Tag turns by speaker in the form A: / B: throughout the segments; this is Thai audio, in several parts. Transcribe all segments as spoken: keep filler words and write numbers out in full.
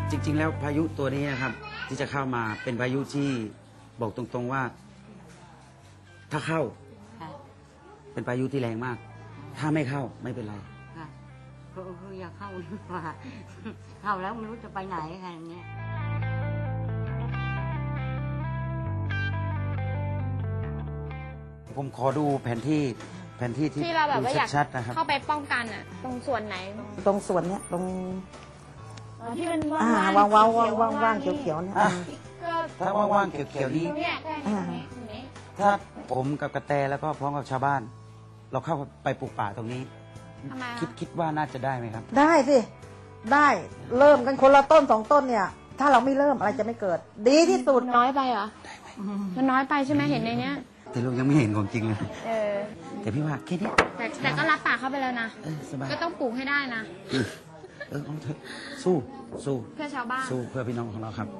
A: จริงๆแล้วพายุตัวนี้นะครับที่จะเข้ามาเป็นพายุที่บอกตรงๆว่า ถ้าเข้าเป็นพายุที่แรงมาก ถ้าไม่เข้าไม่เป็นไร
B: ค่ะคืออยากเข้าดีกว่าเข้าแล้วไม่รู้จะไปไหนค่ะอย่างเงี้ย
A: ผมขอดูแผนที่แผนที่ที่
C: ที่เราแบบว่าอยาก
A: ชัดๆนะครับ
C: เข้าไปป้องกันอ่ะตรงส่วนไหน
D: ตรงส่วนเนี้ยตรง
C: ที่มัน
D: อ่าว่างว่างว่างว่างว่างเขียวเขียวเนี่ย
A: ถ้าว่างๆเขียวๆนี้ถ้าผมกับกระแตแล้วก็พร้อมกับชาวบ้าน เราเข้าไปปลูกป่าตรงนี้คิดคิดว่าน่าจะได้ไหมครับ
D: ได้สิได้เริ่มกันคนละต้นสองต้นเนี่ยถ้าเราไม่เริ่มอะไรจะไม่เกิดดีที่สุด
C: น้อยไปเหรอมันน้อยไปใช่ไหมเห็นในเนี้ย
A: แต่ลูกยังไม่เห็นของจริงเลย
C: เออ
A: แต่พี่ว่าแค่นี้
C: แต่แต่ก็รับปากเขาไปแล้วนะก็ต้องปลูกให้ได้นะ
A: เออเอาเถอะสู้สู้
C: เพื่อชาวบ้าน
A: สู้เพื่อพี่น้องของเราครับ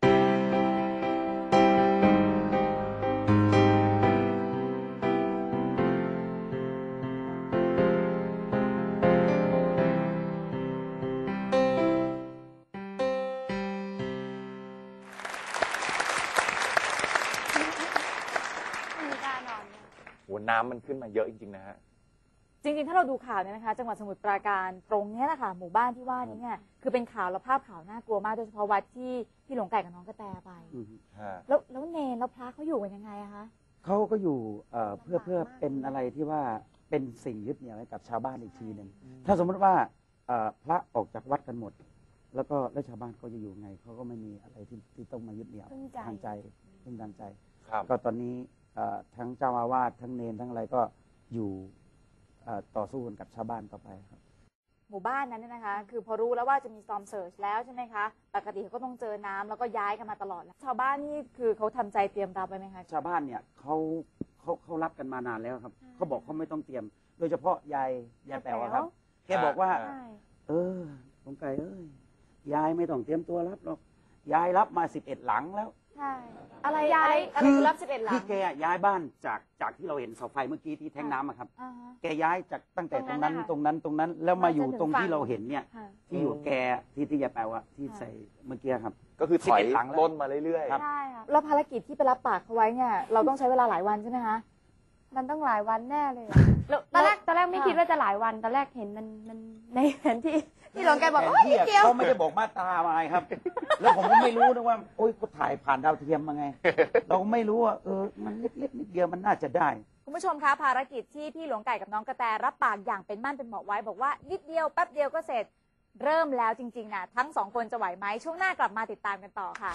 E: น้ำมันขึ้นมาเยอะจริงๆนะฮะ
F: จริงๆถ้าเราดูข่าวเนี่ยนะคะจังหวัดสมุทรปราการตรงนี้แหละค่ะหมู่บ้านที่ว่านี้เนี่ยคือเป็นข่าวและภาพข่าวน่ากลัวมากโดยเฉพาะวัดที่ที่หลวงไก่กับน้องกระแตไปแล้วแล้วเนรแล้วพระเขาอยู่กันยังไงอะคะ
A: เขาก็อยู่เพื่อเพื่อเป็นอะไรที่ว่าเป็นสิ่งยึดเหนี่ยวให้กับชาวบ้านอีกทีหนึ่งถ้าสมมติว่าพระออกจากวัดกันหมดแล้วก็แล้วชาวบ้านเขาจะอยู่ไงเขาก็ไม่มีอะไรที่ที่ต้องมายึดเหนี่ยวทางใจพึ่งทางใจก็ตอนนี้ทั้งเจ้าอาวาสทั้งเนรทั้งอะไรก็อยู่ต่อสู้กันกับชาวบ้านต่อไปครับ
F: หมู่บ้านนั้นเนี่ยนะคะคือพอรู้แล้วว่าจะมีซอมเซิร์ชแล้วใช่ไหมคะปกติเขาก็ต้องเจอน้ำแล้วก็ย้ายกันมาตลอดแล้วชาวบ้านนี่คือเขาทำใจเตรียมรับไปไหมคะ
A: ชาวบ้านเนี่ยเขาเขาเขารับกันมานานแล้วครับเขาบอกเขาไม่ต้องเตรียมโดยเฉพาะยายยายแป๋วครับแกบอกว่าเออสงไก่เอ้ยยายไม่ต้องเตรียมตัวรับหรอกยายรับมาสิบเอ็ดหลังแล้ว
F: ใช่อะไรอะไรอะไรรับสิบเอ็ดหลัง
A: ที่แกย้ายบ้านจากจากที่เราเห็นเสาไฟเมื่อกี้ที่แทงน้ำอะครับแกย้ายจากตั้งแต่ตรงนั้นตรงนั้นตรงนั้นแล้วมาอยู่ตรงที่เราเห็นเนี่ยที่อยู่แกที่ที่ยาแปลว่าที่ใส่เมื่อกี้ครับ
E: ก็คือถอยต้นมาเรื่อย
F: ๆใช่ค่ะแล้วภารกิจที่ไปรับปากเขาไว้เนี่ยเราต้องใช้เวลาหลายวันใช่ไหมคะมันต้องหลายวันแน่เลย
C: ตอนแรกตอนแรกไม่คิดว่าจะหลายวันตอนแรกเห็นมันมันในแผนที่ที่หลวงแกบอกว่านิดเดียว
A: เขาไม่ได้บอกมาตรามาครับแล้วผมก็ไม่รู้นะว่าโอ๊ยเขาถ่ายผ่านดาวเทียมมาไงเราไม่รู้ว่าเออมันเล็กๆนิดเดียวมันน่าจะได้
F: คุณผู้ชมคะภารกิจที่พี่หลวงไก่กับน้องกระแตรับปากอย่างเป็นมั่นเป็นเหมาะไว้บอกว่านิดเดียวแป๊บเดียวก็เสร็จเริ่มแล้วจริงๆนะทั้งสองคนจะไหวไหมช่วงหน้ากลับมาติดตามกันต่อค่ะ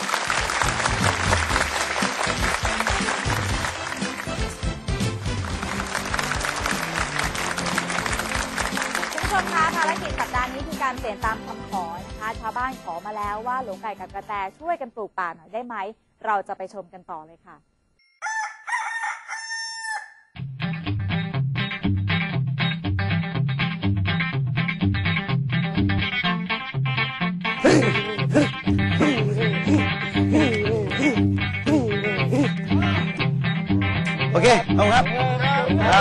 F: คุณผู้ชมคะภารกิจสัปดาห์นี้คือการเปลี่ยนตามคำขอนะคะชาวบ้านขอมาแล้วว่าหลวงไก่กับกระแตช่วยกันปลูกป่าหน่อยได้ไหมเราจะไปชมกันต่อเลยค่ะ
A: โอเคเอาครับเอา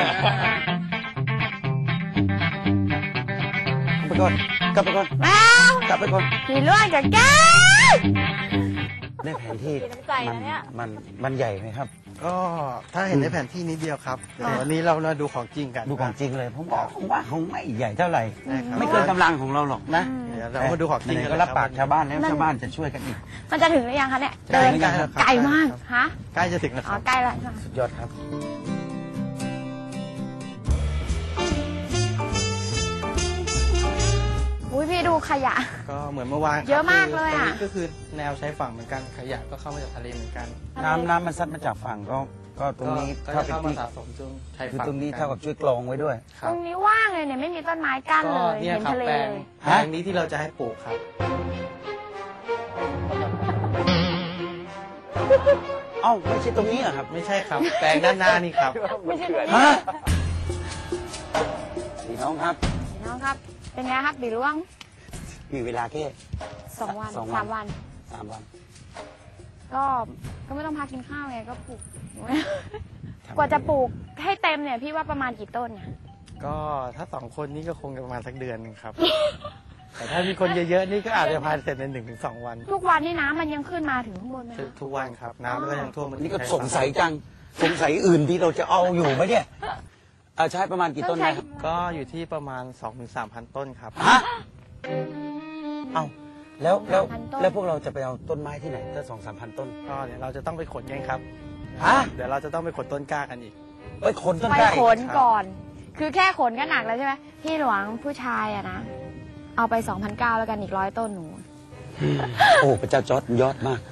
A: ไปก่อนกลับไปก่อนกลับไปก่อน
C: ขี่ล่วงจากแก้
A: ได้แผนที่มันมันมันใหญ่ไหมครับ
G: ก็ถ้าเห็นในแผนที่นี้เดียวครับเดี๋ยววันนี้เรามาดูของจริงกัน
A: ดูของจริงเลยผมบอกว่าคงไม่ใหญ่เท่าไหร่ไม่เกินกำลังของเราหรอกนะ
G: เรามาดูของจริง
A: ก็รับปากชาวบ้านแล้วชาวบ้านจะช่วยกันอีก
C: มันจะถึงหรือยังคะเนี่ย
G: เดิน
C: ไกลมากฮะ
G: ใกล้จะถึงแล้ว
C: อ๋อใกล้แล้ว
A: สุดยอดครับ
C: อุ้ยพี่ดูขยะ
G: ก็เหมือนเมื่อวาน
C: เยอะมากเลยอ่ะ
G: ก็คือแนวชายฝั่งเหมือนกันขยะก็เข้ามาจากทะเลเหมือนกัน
A: น้ำน้ำมันซัดมาจากฝั่งก็ก็ตรงนี้
G: เท่ากับที่สะสมจนชายฝั่ง
A: ตรงนี้เท่ากับช่วยกรองไว้ด้วย
C: ตรงนี้ว่างเลยเนี่ยไม่มีต้นไม้กั้นเลย
G: เห็นทะเลเลยแปลงนี้ที่เราจะให้ปลูกครับ
A: เอ้าไม่ใช่ตรงนี้เหรอครับ
G: ไม่ใช่ครับแปลงด้านหน้านี่ครับ
C: ไม่ใช่
A: ฮะพี่น้องครับ
C: พี่น้องครับเป็นไงครับบีร่วง
A: มีเวลาแค่
C: สองวันสามวัน
A: สามวัน
C: ก็ก็ไม่ต้องพักกินข้าวไงก็ปลูกกว่าจะปลูกให้เต็มเนี่ยพี่ว่าประมาณกี่ต้นเนี่ย
G: ก็ถ้าสองคนนี้ก็คงประมาณสักเดือนนึงครับแต่ถ้ามีคนเยอะๆนี่ก็อาจจะพายเสร็จในหนึ่งถึงสองวัน
C: ทุกวันนี่น้ำมันยังขึ้นมาถึงข้างบนไหม
G: ทุกทุกวันครับน้ำก็ยังท่วมมา
A: นี่ก็สงสัยจังสงสัยอื่นที่เราจะเอาอยู่ไหมเนี่ยเอาใช้ประมาณกี่ต้นนะครับ
G: ก็อยู่ที่ประมาณ สองถึงสามพัน ต้นครับ
A: ฮะเอาแล้วแล้วแล้วพวกเราจะไปเอาต้นไม้ที่ไหนถ้าสองสามพันต้น
G: ก็เดี๋ยวเราจะต้องไปขนกันครับ
A: ฮะ
G: เดี๋ยวเราจะต้องไปขนต้นกล้ากันอีก
A: ไปขนต้น
C: ไป
A: กล้า
C: ขนก่อน คือแค่ขนก็หนักแล้วใช่ไหมพี่หลวงผู้ชายอะนะ เอาไป สองพันเก้าร้อย แล้วกันอีกร้อยต้นหนู
A: โอ้พระเจ้าจอร์ดยอดมาก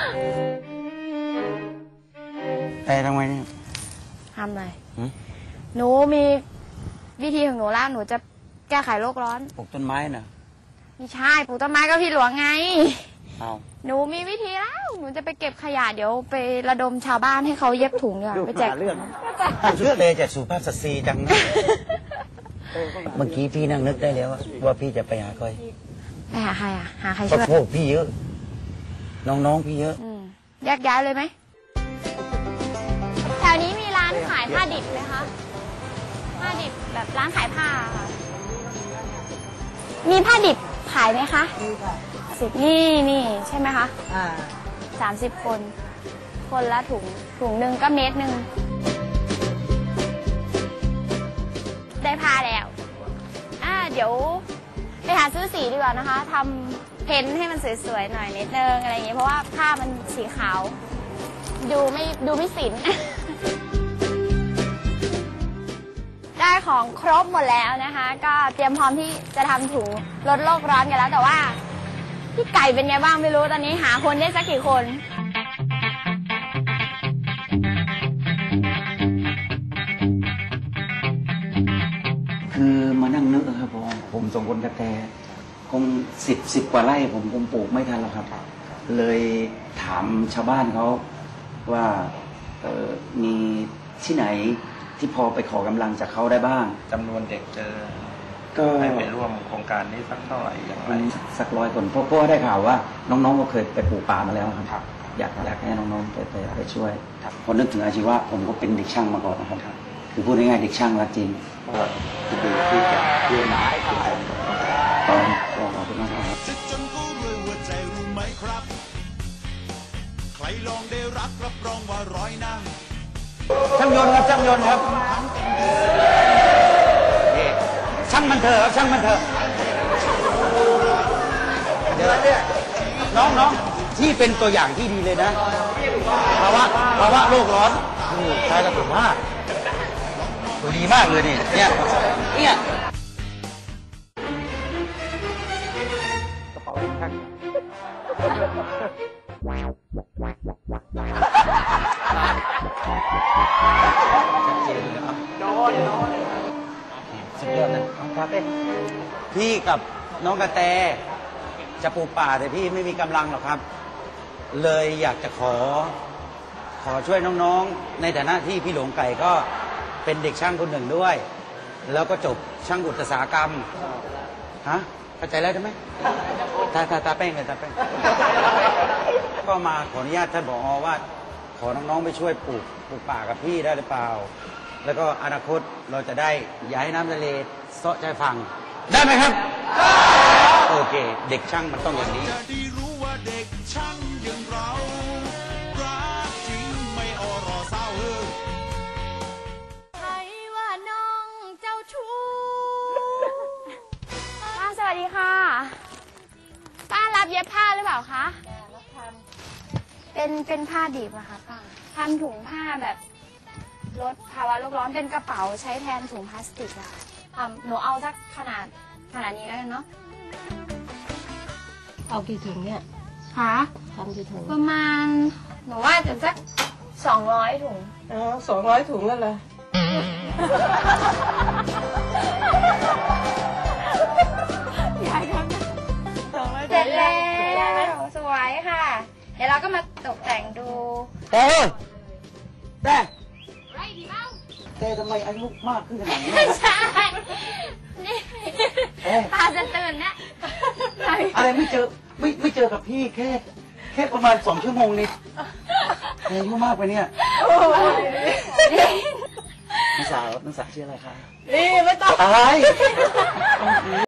A: แต่ทำไมเนี่ย
C: ทำอะไร
A: หืม
C: หนูมีวิธีของหนูแล้วหนูจะแก้ไขโลกร้อน
A: ปลูกต้นไม้น่ะ
C: ไม่ใช่ปลูกต้นไม้ก็พี่หลวงไง
A: เอา
C: หนูมีวิธีแล้ว หนูจะไปเก็บขยะเดี๋ยวไประดมชาวบ้านให้เขาเย็บถุงดีกว่าไปแจก
A: เรื่องเชื่อเลยจากสุภาพสตรีจังนะเมื่อกี้พี่นั่งนึกได้แล้วว่าพี่จะไปหาใคร
C: ไปหาใครอะหาใคร
A: ก็
C: ช่วย
A: พวกพี่เยอะ น้องๆพี่เยอะ
C: อืมแยกย้ายเลยไหมแถวนี้มีร้านขายผ้าดิบไหมคะผ้าดิบแบบร้านขายผ้าค่ะมีผ้าดิบขายไหมคะมีค่ะสิบนี่นี่ใช่ไหมคะ
D: อ่า
C: สามสิบคน คนละถุงถุงหนึ่งก็เมตรหนึ่งได้ผ้าแล้วอ่าเดี๋ยวไปหาซื้อสีดีกว่านะคะทำเพ้นท์ให้มันสวยๆหน่อยนิดนึงอะไรอย่างเงี้ยเพราะว่าผ้ามันสีขาว ดูไม่ดูไม่สิน ได้ของครบหมดแล้วนะคะ ก็เตรียมพร้อมที่จะทำถุงลดโลกร้อนกันแล้วแต่ว่าพี่ไก่เป็นไงบ้างไม่รู้ตอนนี้หาคนได้สักกี่คน
A: คือมานั่งนึกนะครับผมผมสองคนกระแตคงสิบสิบกว่าไร่ผมคงปลูกไม่ทันหรอกครับ เลยถามชาวบ้านเขาว่าเออมีที่ไหนที่พอไปขอกำลังจากเขาได้บ้าง
G: จำนวนเด็กเจอ
A: ก็
G: ให้ไปร่วมโครงการนี้สักเท่าไหร่อย่างไร
A: สักร้อยคนเพราะเพราะว่าได้ข่าวว่า น้องๆก็เคยไปปลูกป่ามาแล้วครับ อยากอยากให้น้องๆไปไปไปช่วยพอนึกถึงอาชีวะผมก็เป็นเด็กช่างมาก่อนนะครับ คือพูดง่ายๆเด็กช่างรักจริง
E: จะดูที่จะเรื่องไหน
A: ก็ก็ขอบคุณมากครับ
H: จะจนก็รวยหัวใจรู้ไหมครับ ใครลองได้รักรับรองว่าร้อยหน้า
A: ช่างยนต์ครับช่างยนต์ครับช่างมันเถอะครับช่างมันเถอะเดี๋ยวเนี่ยน้องๆที่เป็นตัวอย่างที่ดีเลยนะภาวะภาวะโลกร้อนนี่ใช้กระสุนมากตัวดีมากเลยนี่เนี่ยเนี่ยกระเป๋าช่างโดนโดนสุดยอดเลยน้องครับพี่กับน้องกระแตจะปลูกป่าแต่พี่ไม่มีกำลังหรอกครับ เลยอยากจะขอ ขอช่วยน้องๆในฐานะที่พี่หลวงไก่ก็เป็นเด็กช่างคนหนึ่งด้วย แล้วก็จบช่างอุตสาหกรรมฮะเข้าใจแล้วใช่ไหมตาตาตาแป้งเลยตาแป้งก็มาขออนุญาตท่านผอว่า ขอน้องๆไปช่วยปลูกปลูกป่ากับพี่ได้หรือเปล่า แล้วก็อนาคตเราจะได้ย้ายน้ำทะเลเซาะชายฝั่งได้ไหมครับโอเค เด็กช่างมันต้องอย่างนี้
H: จะได้รู้ว่าเด็กช่างอย่างเรารักจริงไม่อรอเศร้าเออ
C: ใครว่าน้องเจ้าชู้ป้าสวัสดีค่ะ ป้ารับเย็บผ้าหรือเปล่าคะเป็นเป็นผ้าดิบอะค่ะป้าทำถุงผ้าแบบลดภาวะโลกร้อนเป็นกระเป๋าใช้แทนถุงพลาสติกอะทำหนูเอาสักขนาดขนาดนี้แล้วกันเนาะ
B: เอากี่ถุงเนี่ย
C: ค่ะ
B: ทำกี่ถุง
C: ประมาณหนูว่าจะสักสองร้อยถุง
D: อ๋อสองร้อยถุงแล้วเหรอ
C: เสร็จแล้วสวยค่ะ เดี๋ยวเราก็มาตกแต่งดู
A: แต่แต่
C: ไรดีบ้าง
A: แต่ทำไมอายุมากขึ้นขนาดนี้
C: ไม่ใช่นี่
A: เอ๊ะ
C: ตาจะตื่นนะ
A: อะไรไม่เจอไม่ไม่เจอกับพี่แค่ แค่ประมาณสองชั่วโมงนี่อายุมากไปเนี่ยน้องสาวน้องสาวชื่ออะไรคะ
D: นี่ไม่ต้อง
A: อะไร